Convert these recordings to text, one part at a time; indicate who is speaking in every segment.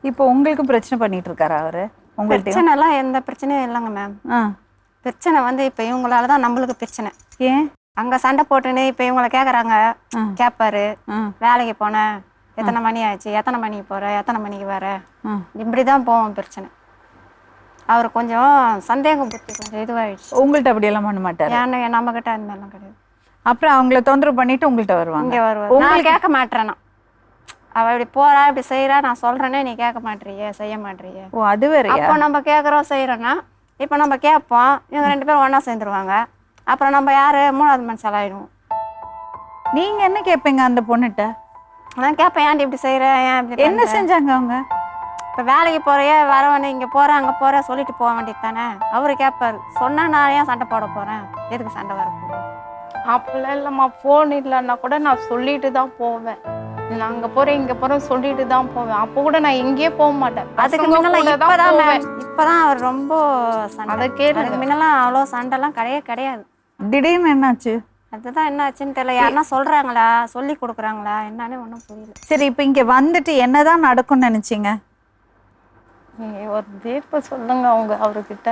Speaker 1: இப்போ உங்களுக்கு பிரச்சனை பண்ணிட்டு இருக்காரா அவரு? உங்கள்ட்ட
Speaker 2: பிரச்சனைலாம் எந்த பிரச்சனையும் இல்லைங்க மேம். பிரச்சனை வந்து இப்போ இவங்களால தான் நம்மளுக்கு பிரச்சனை.
Speaker 1: ஏன்
Speaker 2: அங்கே சண்டை போட்டுன்னு இப்போ இவங்கள கேட்குறாங்க, கேட்பாரு. வேலைக்கு போனேன், எத்தனை மணி ஆச்சு, எத்தனை மணிக்கு போகிற, எத்தனை மணிக்கு வர, இப்படி தான் போவோம் பிரச்சனை. அவர் கொஞ்சம் சந்தேகம் புத்தி கொஞ்சம் இதுவாகிடுச்சு.
Speaker 1: உங்கள்கிட்ட அப்படியெல்லாம் பண்ண மாட்டார்?
Speaker 2: ஏன்னா நம்மக்கிட்ட அந்த மாதிரிலாம் கிடையாது.
Speaker 1: அப்புறம் அவங்கள தொந்தரவு பண்ணிட்டு உங்கள்கிட்ட வருவாங்க?
Speaker 2: இங்கே வருவார். உங்களுக்கு கேட்க மாட்டேறேன்னா அவள் இப்படி போகிறா இப்படி செய்கிறா, நான் சொல்கிறேன்னே நீ கேட்க மாட்டேறியே, செய்ய மாட்டேறியே.
Speaker 1: ஓ அது வேற.
Speaker 2: அப்போ நம்ம கேட்குறோம் செய்கிறோன்னா இப்போ நம்ம கேட்போம், இவங்க 2 பேரும் ஒன்றா சேர்ந்துருவாங்க. அப்புறம் நம்ம யார் 3வது மனுஷால் ஆகிடுவோம்.
Speaker 1: நீங்கள் என்ன கேட்பீங்க அந்த பொண்ணுகிட்ட?
Speaker 2: நான் கேட்பேன், ஏன்டி இப்படி செய்கிறேன், ஏன் இப்படி
Speaker 1: என்ன செஞ்சாங்க அவங்க?
Speaker 2: இப்போ வேலைக்கு போகிறையே வரவனே, இங்கே போகிறேன் அங்கே போகிறேன் சொல்லிட்டு போக வேண்டியது தானே. அவர் கேட்பார், சொன்னால் நான் ஏன் சண்டை போட போகிறேன், எதுக்கு சண்டை வரப்போகுது?
Speaker 3: அப்பெல்லாம் இல்லைம்மா, ஃபோன் இல்லைன்னா கூட நான் சொல்லிட்டு தான் போவேன். நான் அங்கே போகிறேன் இங்கே போகிறேன் சொல்லிட்டு தான் போவேன். அப்போ கூட நான் எங்கேயே போக மாட்டேன்.
Speaker 2: அதுக்கு முன்னெல்லாம் இப்போதான் அவர் ரொம்ப சண்டை.
Speaker 3: அதை கேட்டு
Speaker 2: அதுக்கு முன்னெல்லாம் அவ்வளோ சண்டைலாம் கிடையாது.
Speaker 1: திடீர்னு என்னாச்சு?
Speaker 2: அதுதான் என்ன ஆச்சுன்னு தெரியல. யாருன்னா சொல்கிறாங்களா, சொல்லி கொடுக்குறாங்களா என்னன்னு ஒன்றும் புரியல.
Speaker 1: சரி, இப்போ இங்கே வந்துட்டு என்னதான் நடக்கும்னு நினச்சிங்க?
Speaker 3: நீங்கள் ஒரு தீர்ப்பு சொல்லுங்க அவங்க அவர்கிட்ட.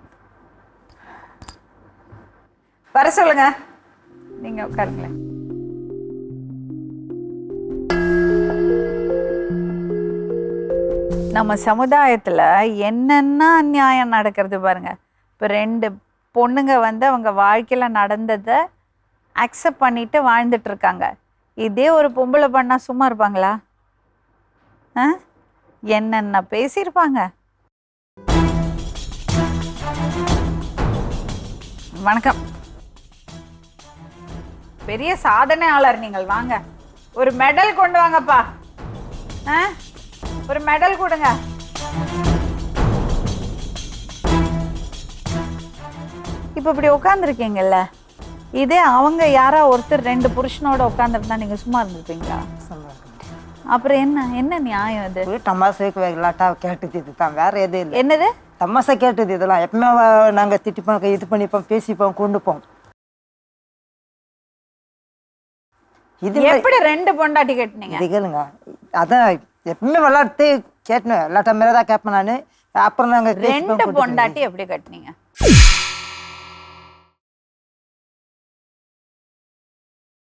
Speaker 1: வர சொல்லுங்க, நீங்கள் உட்காருங்களேன். நம்ம சமுதாயத்தில் என்னென்ன அநியாயம் நடக்கிறது பாருங்க. இப்போ 2 பொண்ணுங்க வந்து அவங்க வாழ்க்கையில் நடந்ததை அக்செப்ட் பண்ணிட்டு வாழ்ந்துட்டு இருக்காங்க. இதே ஒரு பொம்பளை பண்ணால் சும்மா இருப்பாங்களா? என்னென்ன பேசியிருப்பாங்க. வணக்கம். பெரிய சாதனையாளர் நீங்கள், வாங்க ஒரு மெடல் கொண்டு வாங்கப்பா. ஒரு மெடல் கொடுங்க. இப்போ இப்படி உட்காந்துருக்கீங்கல்ல, இதே அவங்க யாரா ஒருத்தர் 2 புருஷனோட உட்காந்துருந்தா நீங்க சும்மா இருந்திருப்பீங்களா? அப்புறம் என்ன நியாயம் இது?
Speaker 4: தமாசாக்கு விளாட்டா கேட்டது தான், வேற எதுவும் இல்லை.
Speaker 1: என்னது
Speaker 4: தமாசா கேட்டது? இதெல்லாம் எப்பவுமே நாங்க திட்டிப்போம், இது பண்ணிப்போம், பேசிப்போம், கொண்டுப்போம்.
Speaker 1: இது எப்படி 2 பொண்டாட்டி கேட்டீங்க?
Speaker 4: இது கேளுங்க, அதான் எப்பவுமே விளாட்டு கேட்டேன், விளாட்ட மேலே தான் கேட்பேன் நான். அப்புறம் நாங்கள்
Speaker 1: 2 பொண்டாட்டி எப்படி கட்டினீங்க?